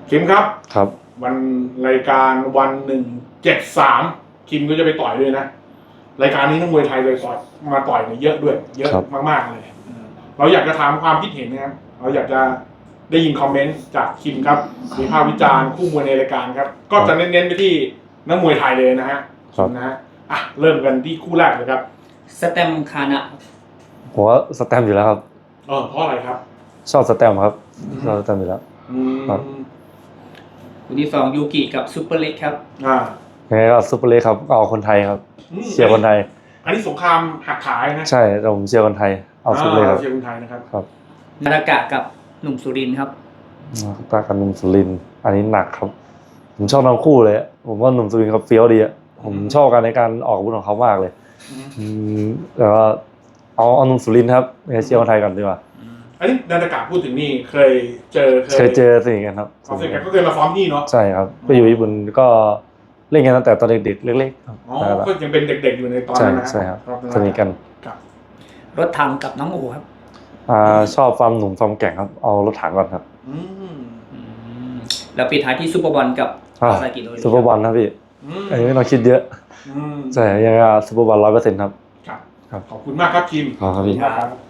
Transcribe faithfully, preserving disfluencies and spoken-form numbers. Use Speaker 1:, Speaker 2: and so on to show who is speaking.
Speaker 1: คิมครับ
Speaker 2: ครับ
Speaker 1: วันรายการวันหนึ่งเจ็ดสามคิมก็จะไปต่อยด้วยนะรายการนี้นักมวยไทยเลยต่อยมาต่อยเนี่ยเยอะด้วยเยอะมากๆเลยเราอยากจะถามความคิดเห็นนะครับเราอยากจะได้ยินคอมเมนต์จากคิมครับวิพากษ์วิจารณ์คู่มวยในรายการครับก็จะเน้นๆไปที่นักมวยไทยเลยนะฮะนะฮะอ่ะเริ่มกันที่คู่แรกเลยครับ
Speaker 3: สแตมคานะ
Speaker 2: ผมว่าสแตมอยู่แล้วครับ
Speaker 1: เออเพราะอะไรครับ
Speaker 2: ชอบสแตมครับชอบสแตมอยู่แล้ว
Speaker 1: ครับ
Speaker 3: คู่ที่สองยูกิกับซูเปอร์เล็กครับ
Speaker 1: อ่า
Speaker 2: ยังไงก็ซุปเปอร์เล็กครับเอาคนไทยครับเชียร์คนไทย
Speaker 1: อันนี้สงครามหักขายนะ
Speaker 2: ใช่ผมเชียร์คนไทยเอาซุปเปอร์เล็กครับ
Speaker 1: เชียร์คนไทยนะครับ
Speaker 2: ครับ
Speaker 3: นารากะกับหนุ่มสุรินทร์ครับ
Speaker 2: ตากันหนุ่มสุรินทร์อันนี้หนักครับผมชอบทั้งคู่เลยผมว่าหนุ่มสุรินทร์เขาเฟี้ยวดีอ่ะผมชอบกันในการออกอาวุธของเขามากเลยแต่ว่าเอาเอาหนุ่มสุรินทร์ครับเชียร์คนไทยกันดีกว่า
Speaker 1: อันนี้นารากะพูดถึงนี่เคยเจอ
Speaker 2: เคยเจอสิ่งกันครับ
Speaker 1: เขาเคยก็เคยมาซ้อมนี่เนาะ
Speaker 2: ใช่ครับไปอยู่ญี่ปุ่นก็เล่นกันตั้งแต่ตอนเด็กๆเล็กๆครับ
Speaker 1: อ๋อก็ยังเป็นเด็กๆอยู่ในตอนนั้นนะ
Speaker 2: ใช่ครับสนิทกัน
Speaker 3: รถถังกับน้องโอครับ
Speaker 2: อ่าชอบฟาร์มหนุ่มฟาร์มแก่งครับเอารถถังก่อนครับ
Speaker 3: แล้วปิดท้ายที่ซูเปอร์บอลกับคาซากิโดริ
Speaker 2: ซูเปอร์บอลนะพี่อันนี้ไม่ต้องคิดเยอะใช่ยังไงซูเปอร์บอลร้อยเปอร์เซ็นต์ครับ
Speaker 1: ครับขอบคุณมากครับคิม
Speaker 2: ขอบคุณครับพี่